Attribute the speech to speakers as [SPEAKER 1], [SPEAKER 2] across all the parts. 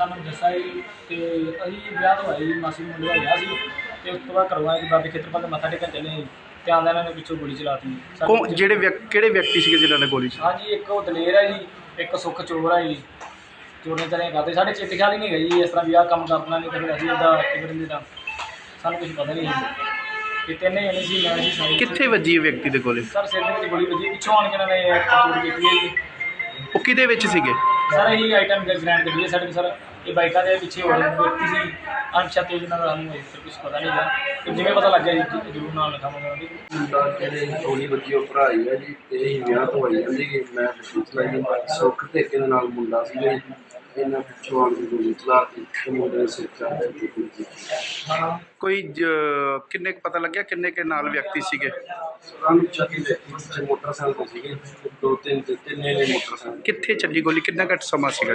[SPEAKER 1] ਸਾਨੂੰ ਦੱਸਿਆ ਜੀ ਤੇ ਅਸੀਂ ਵਿਆਹ ਤੋਂ ਆਏ ਜੀ, ਮਾਸੀ ਦੇ ਮੁੰਡੇ ਦਾ ਵਿਆਹ ਸੀ ਤੇ ਉਸ ਤੋਂ ਬਾਅਦ ਘਰੋਂ ਆਏ ਤੇ ਬਾਬੇ ਖੇਤਰਪਾਲ ਦੇ ਮੱਥਾ ਟੇਕਣ ਚੱਲੇ ਜੀ ਤੇ ਆਉਂਦਿਆਂ ਇਹਨਾਂ ਨੇ ਪਿੱਛੋਂ ਗੋਲੀ ਚਲਾਤੀ।
[SPEAKER 2] ਕਿਹੜੇ ਵਿਅਕਤੀ ਸੀਗੇ ਜਿਨ੍ਹਾਂ ਨੇ ਗੋਲੀ ਚਲਾਈ?
[SPEAKER 1] ਹਾਂਜੀ, ਇੱਕ ਉਹ ਦਲੇਰ ਹੈ ਜੀ, ਇੱਕ ਸੁੱਖ ਚੋਰ ਹੈ ਜੀ। ਚੋਰੀਆਂ ਚਾਰੀਆਂ ਕਰਦੇ ਸਾਡੇ ਚਿੱਤ ਖਿਆਲ ਹੀ ਨਹੀਂ ਗਈ ਜੀ, ਇਸ ਤਰ੍ਹਾਂ ਵੀ ਆਹ ਕੰਮ ਕਰਨਾ ਨਹੀਂ ਕਦੇ ਅਸੀਂ ਉਹਦਾ ਕਿਵੇਂ ਦਾ ਸਾਨੂੰ ਕੁਝ ਪਤਾ ਨਹੀਂ ਜੀ। ਇਹ ਤਿੰਨੇ ਜਣੇ ਸੀ, ਮੈਂ ਸੀ ਸਾਰੇ।
[SPEAKER 2] ਕਿੱਥੇ ਵੱਜੀ ਇਹ ਵਿਅਕਤੀ ਦੇ ਗੋਲੀ?
[SPEAKER 1] ਸਰ ਸਿਰ ਦੇ ਵਿੱਚ ਗੋਲੀ ਵੱਜੀ, ਪਿੱਛੋਂ ਆਣ ਕੇ ਇਹਨਾਂ ਨੇ ਚੋਰੀ ਕੀਤੀ ਹੈ ਜੀ।
[SPEAKER 2] ਉਹ ਕਿਹਦੇ ਵਿੱਚ ਸੀਗੇ?
[SPEAKER 1] ਸਰ ਇਹ ਆਈਟਮ ਗ੍ਰੈਂਡ ਗੱਡੀ ਹੈ ਸਾਡੇ ਸਰ, ਇਹ ਬਾਈਕਾਂ ਦੇ ਪਿੱਛੇ ਹੋਰ ਵਿਅਕਤੀ ਸੀ ਅਣਪਛਾਤੇ ਜਿਹਨਾਂ ਦਾ ਸਾਨੂੰ ਇਸ ਕੁਝ ਪਤਾ ਨਹੀਂ ਗਾ, ਤੇ ਜਿਵੇਂ ਪਤਾ ਲੱਗਿਆ ਜੀ ਜ਼ਰੂਰ ਨਾਲ ਲਿਖਾਵਾਂਗਾ ਉਹਦੀ।
[SPEAKER 3] ਮੁੰਡਾ ਜਿਹੜੇ ਗੋਲੀ ਵੱਜੀ ਉਹ ਭਰਾ ਹੀ ਆ ਜੀ, ਤੇ ਅਸੀਂ ਵਿਆਹ ਤੋਂ ਆਈ ਜਾਂਦੀ ਕਿ ਮੈਂ ਪੁੱਛਣਾ ਜੀ ਸੁੱਖ ਧੇਕੇ ਦੇ ਨਾਲ ਮੁੰਡਾ ਸੀਗਾ ਜੀ, ਇਹਨਾਂ ਪਿੱਛੋਂ ਆਣ ਕੇ ਗੋਲੀ ਚਲਾਤੀ ਤੇ ਮੁੰਡੇ ਦੇ ਸਿਰ 'ਚ ਆ ਕੇ ਗੋਲੀ ਚਲਾਤੀ।
[SPEAKER 2] ਕੋਈ ਕਿੰਨੇ ਕੁ ਪਤਾ ਲੱਗਿਆ ਕਿੰਨੇ ਕੇ ਨਾਲ ਵਿਅਕਤੀ ਸੀਗੇ?
[SPEAKER 3] ਸਾਨੂੰ ਚੱਕੀ ਦੇ ਪਿੱਛੇ ਮੋਟਰਸਾਈਕਲ ਤੇ ਸੀਗੇ, ਦੋ ਤਿੰਨ ਨੇ ਮੋਟਰਸਾਈਕਲ।
[SPEAKER 2] ਕਿੱਥੇ ਚੱਲੀ ਗੋਲੀ? ਕਿੰਨਾ ਘੱਟ ਸਮਾਂ ਸੀਗਾ?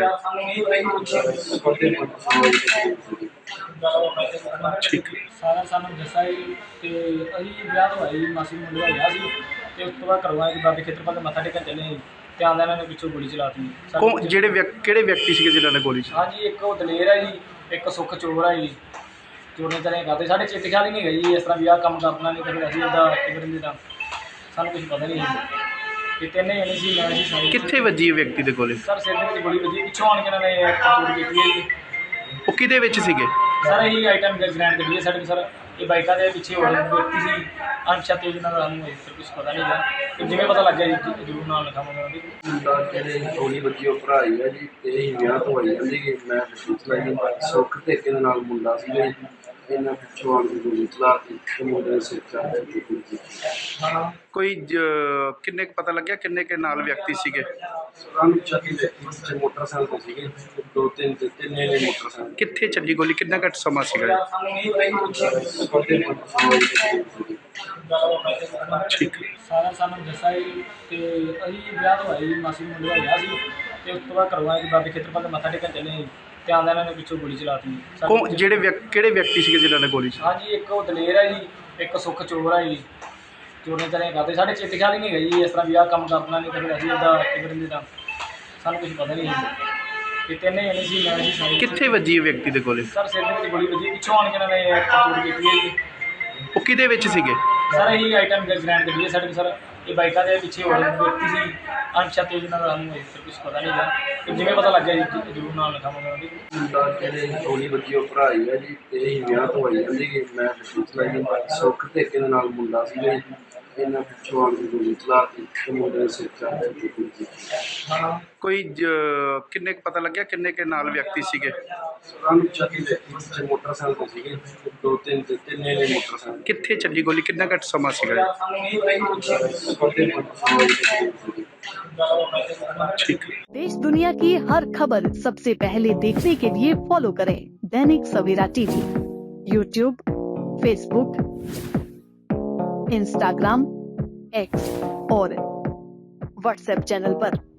[SPEAKER 2] ਠੀਕ ਹੈ।
[SPEAKER 1] ਸਾਰਾ ਸਾਨੂੰ ਦੱਸਿਆ ਜੀ ਤੇ ਅਸੀਂ ਵਿਆਹ ਤੋਂ ਆਏ ਜੀ, ਮਾਸੀ ਦੇ ਮੁੰਡੇ ਦਾ ਵਿਆਹ ਸੀ ਤੇ ਉਸ ਤੋਂ ਬਾਅਦ ਘਰੋਂ ਆਏ ਤੇ ਬਾਬੇ ਖੇਤਰਪਾਲ ਦੇ ਮੱਥਾ ਟੇਕਣ ਚੱਲੇ ਜੀ ਤੇ ਆਉਂਦਿਆਂ ਇਹਨਾਂ ਨੇ ਪਿੱਛੋਂ ਗੋਲੀ ਚਲਾਤੀ।
[SPEAKER 2] ਕਿਹੜੇ ਵਿਅਕਤੀ ਸੀਗੇ ਜਿਨ੍ਹਾਂ ਨੇ ਗੋਲੀ ਚਲਾਈ?
[SPEAKER 1] ਹਾਂਜੀ, ਇੱਕ ਉਹ ਦਲੇਰ ਹੈ ਜੀ, ਇੱਕ ਸੁੱਖ ਚੋਰ ਹੈ ਜੀ। ਚੋਰੀਆਂ ਚਾਰੀਆਂ ਕਰਦੇ ਸਾਡੇ ਚਿੱਤ ਖਿਆਲ ਹੀ ਨਹੀਂ ਗਈ ਜੀ, ਇਸ ਤਰ੍ਹਾਂ ਵੀ ਆਹ ਕੰਮ ਕਰਨਾ ਨਹੀਂ ਕਦੇ ਅਸੀਂ ਉਹਦਾ ਕਿਵੇਂ ਦਾ ਸਾਨੂੰ ਕੁਝ ਪਤਾ ਨਹੀਂ ਜੀ। ਇਹ ਤਿੰਨੇ ਜਣੇ ਸੀ, ਮੈਂ ਸੀ ਸਾਰੇ।
[SPEAKER 2] ਕਿੱਥੇ ਵੱਜੀ ਇਹ ਵਿਅਕਤੀ ਦੇ ਗੋਲੀ?
[SPEAKER 1] ਸਰ ਸਿਰ ਦੇ ਵਿੱਚ ਗੋਲੀ ਵੱਜੀ, ਪਿੱਛੋਂ ਆਣ ਕੇ ਇਹਨਾਂ ਨੇ ਚੋਰੀ ਕੀਤੀ ਹੈ ਜੀ।
[SPEAKER 2] ਉਹ ਕਿਹਦੇ ਵਿੱਚ ਸੀਗੇ?
[SPEAKER 1] ਸਰ ਇਹ ਆਈਟਮ ਗ੍ਰੈਂਡ ਗੱਡੀ ਹੈ ਸਾਡੇ ਸਰ, ਇਹ ਬਾਈਕਾਂ ਦੇ ਪਿੱਛੇ ਹੋਰ ਵਿਅਕਤੀ ਸੀ ਅਣਪਛਾਤੇ ਜਿਹਨਾਂ ਦਾ ਸਾਨੂੰ ਇਸ ਕੁਝ ਪਤਾ ਨਹੀਂ ਗਾ, ਤੇ ਜਿਵੇਂ ਪਤਾ ਲੱਗਿਆ ਜੀ ਜ਼ਰੂਰ ਨਾਲ ਲਿਖਾਵਾਂਗਾ ਉਹਦੀ।
[SPEAKER 3] ਮੁੰਡਾ ਜਿਹੜੇ ਗੋਲੀ ਵੱਜੀ ਉਹ ਭਰਾ ਹੀ ਆ ਜੀ, ਤੇ ਅਸੀਂ ਵਿਆਹ ਤੋਂ ਆਈ ਜਾਂਦੀ ਕਿ ਮੈਂ ਪੁੱਛਣਾ ਜੀ ਸੁੱਖ ਧੇਕੇ ਦੇ ਨਾਲ ਮੁੰਡਾ ਸੀਗਾ ਜੀ, ਇਹਨਾਂ ਪਿੱਛੋਂ ਆਣ ਕੇ ਗੋਲੀ ਚਲਾਤੀ ਤੇ ਮੁੰਡੇ ਦੇ ਸਿਰ 'ਚ ਆ ਕੇ ਗੋਲੀ ਚਲਾਤੀ।
[SPEAKER 2] ਕੋਈ ਕਿੰਨੇ ਕੁ ਪਤਾ ਲੱਗਿਆ ਕਿੰਨੇ ਕੇ ਨਾਲ ਵਿਅਕਤੀ ਸੀਗੇ?
[SPEAKER 3] ਸਾਨੂੰ ਚੱਕੀ ਦੇ ਪਿੱਛੇ ਮੋਟਰਸਾਈਕਲ ਤੇ ਸੀਗੇ, ਦੋ ਤਿੰਨ ਨੇ ਮੋਟਰਸਾਈਕਲ।
[SPEAKER 2] ਕਿੱਥੇ ਚੱਲੀ ਗੋਲੀ? ਕਿੰਨਾ ਘੱਟ ਸਮਾਂ ਸੀਗਾ? ਠੀਕ ਹੈ।
[SPEAKER 1] ਸਾਰਾ ਸਾਨੂੰ ਦੱਸਿਆ ਜੀ ਤੇ ਅਸੀਂ ਵਿਆਹ ਤੋਂ ਆਏ ਜੀ, ਮਾਸੀ ਦੇ ਮੁੰਡੇ ਦਾ ਵਿਆਹ ਸੀ ਤੇ ਉਸ ਤੋਂ ਬਾਅਦ ਘਰੋਂ ਆਏ ਤੇ ਬਾਬੇ ਖੇਤਰਪਾਲ ਦੇ ਮੱਥਾ ਟੇਕਣ ਚੱਲੇ ਜੀ ਤੇ ਆਉਂਦਿਆਂ ਇਹਨਾਂ ਨੇ ਪਿੱਛੋਂ ਗੋਲੀ ਚਲਾਤੀ।
[SPEAKER 2] ਕਿਹੜੇ ਵਿਅਕਤੀ ਸੀਗੇ ਜਿਨ੍ਹਾਂ ਨੇ ਗੋਲੀ ਚਲਾਈ?
[SPEAKER 1] ਹਾਂਜੀ, ਇੱਕ ਉਹ ਦਲੇਰ ਹੈ ਜੀ, ਇੱਕ ਸੁੱਖ ਚੋਰ ਹੈ ਜੀ। ਚੋਰੀਆਂ ਚਾਰੀਆਂ ਕਰਦੇ ਸਾਡੇ ਚਿੱਤ ਖਿਆਲ ਹੀ ਨਹੀਂ ਗਈ ਜੀ, ਇਸ ਤਰ੍ਹਾਂ ਵੀ ਆਹ ਕੰਮ ਕਰਨਾ ਨਹੀਂ ਕਦੇ ਅਸੀਂ ਉਹਦਾ ਕਿਵੇਂ ਦਾ ਸਾਨੂੰ ਕੁਝ ਪਤਾ ਨਹੀਂ ਜੀ। ਇਹ ਤਿੰਨੇ ਜਣੇ ਸੀ, ਮੈਂ ਸੀ ਸਾਰੇ।
[SPEAKER 2] ਕਿੱਥੇ ਵੱਜੀ ਇਹ ਵਿਅਕਤੀ ਦੇ ਗੋਲੀ?
[SPEAKER 1] ਸਰ ਸਿਰ ਦੇ ਵਿੱਚ ਗੋਲੀ ਵੱਜੀ, ਪਿੱਛੋਂ ਆਣ ਕੇ ਇਹਨਾਂ ਨੇ ਚੋਰੀ ਕੀਤੀ ਹੈ ਜੀ।
[SPEAKER 2] ਉਹ ਕਿਹਦੇ ਵਿੱਚ ਸੀਗੇ?
[SPEAKER 1] ਸਰ ਇਹ ਆਈਟਮ ਗ੍ਰੈਂਡ ਗੱਡੀ ਹੈ ਸਾਡੇ ਸਰ, ਇਹ ਬਾਈਕਾਂ ਦੇ ਪਿੱਛੇ ਹੋਰ ਵਿਅਕਤੀ ਸੀ ਅਣਪਛਾਤੇ ਜਿਹਨਾਂ ਦਾ ਸਾਨੂੰ ਇਸ ਕੁਝ ਪਤਾ ਨਹੀਂ ਗਾ, ਤੇ ਜਿਵੇਂ ਪਤਾ ਲੱਗਿਆ ਜੀ ਜ਼ਰੂਰ ਨਾਲ ਲਿਖਾਵਾਂਗਾ ਉਹਦੀ।
[SPEAKER 3] ਮੁੰਡਾ ਜਿਹੜੇ ਗੋਲੀ ਵੱਜੀ ਉਹ ਭਰਾ ਹੀ ਆ ਜੀ, ਤੇ ਅਸੀਂ ਵਿਆਹ ਤੋਂ ਆਈ ਜਾਂਦੀ ਕਿ ਮੈਂ ਪੁੱਛਣਾ ਜੀ ਸੁੱਖ ਧੇਕੇ ਦੇ ਨਾਲ ਮੁੰਡਾ ਸੀਗਾ ਜੀ, ਇਹਨਾਂ ਪਿੱਛੋਂ ਆਣ ਕੇ ਗੋਲੀ ਚਲਾਤੀ ਤੇ ਮੁੰਡੇ ਦੇ ਸਿਰ 'ਚ ਆ ਕੇ ਗੋਲੀ ਚਲਾਤੀ।
[SPEAKER 2] ਕੋਈ ਕਿੰਨੇ ਕੁ ਪਤਾ ਲੱਗਿਆ ਕਿੰਨੇ ਕੇ ਨਾਲ ਵਿਅਕਤੀ ਸੀਗੇ?
[SPEAKER 3] ਸਾਨੂੰ ਚੱਕੀ ਦੇ ਪਿੱਛੇ ਮੋਟਰਸਾਈਕਲ ਤੇ ਸੀਗੇ, ਦੋ ਤਿੰਨ ਨੇ ਮੋਟਰਸਾਈਕਲ।
[SPEAKER 2] ਕਿੱਥੇ ਚੱਲੀ ਗੋਲੀ? ਕਿੰਨਾ ਘੱਟ ਸਮਾਂ ਸੀਗਾ? ठीक है।
[SPEAKER 4] देश दुनिया की हर खबर सबसे पहले देखने के लिए फॉलो करें Dainik Savera TV, YouTube, Facebook, Instagram, X और व्हाट्सएप चैनल पर।